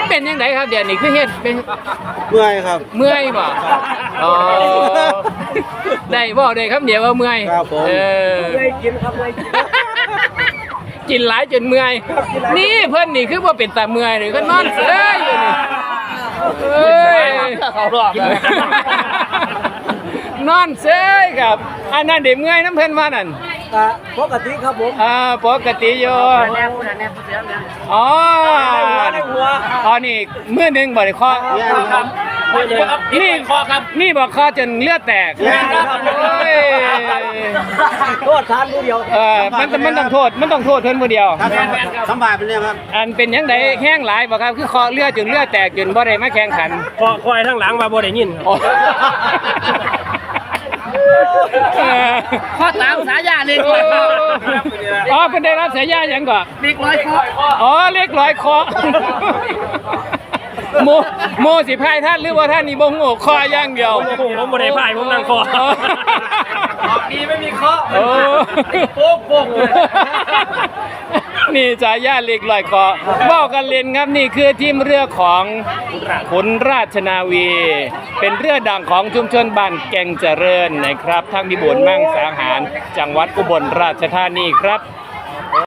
เป็นยังไงครับเดี๋ยวนี้คือเฮ็ดเป็นเมื่อยครับเมื่อยบ่อ๋อได้บ่ได้ครับเดี๋ยวว่าเมื่อยครับผมเลยกินครับเลยกินกินหลายจนเมื่อยนี่เพิ่นนี่คือว่าเป็นตาเมื่อยเลยก็นอนเซ้ยอยู่นี่เอ้ยเขารอบนอนเซ้ยครับอันนั้นเดี๋ยวเมื่อยน้ำเพิ่นว่านั่นปกติครับผมปกติอยู่แน่ผู้นั้นแน่ผู้เสียงเนี่ยอ๋อได้หัวอ๋อนี่มือหนึงบ่ได้เคาะครับนี่คอครับนี่บอกคอจนเลือดแตกโอ้ยโทษทานผู้เดียวมันต้องโทษเพิ่นผู้เดียวครับสบายไปเลยครับอันเป็นยังไงแห้งหลายบ่ครับคือคอเลือดจนเลือดแตกจนบ่ได้มาแข่งขันคอยทั้งหลังมาบ่ได้ยินโอ้ข้อตามสายาเลยอ๋อเพิ่นได้รับสายยาหยังก่อนเด็กร้อยข้ออ๋อเรียกร้อยคอโมสิพายท่านหรือว่าท่านนี่บ่ฮู้คออย่างเดียวผมบ่ได้พายผมนั่งคอดีไม่มีข้อโอ้โป๊กโป๊กนี่จ่ายาเล็กลอยคอบอกกันเล่นครับนี่คือทีมเรือของขุนราชนาวี เป็นเรือดังของชุมชนบ้านแก่งเจริญนะครับทางพิบูลมังสาหารจังหวัดอุบลราชธานีครับ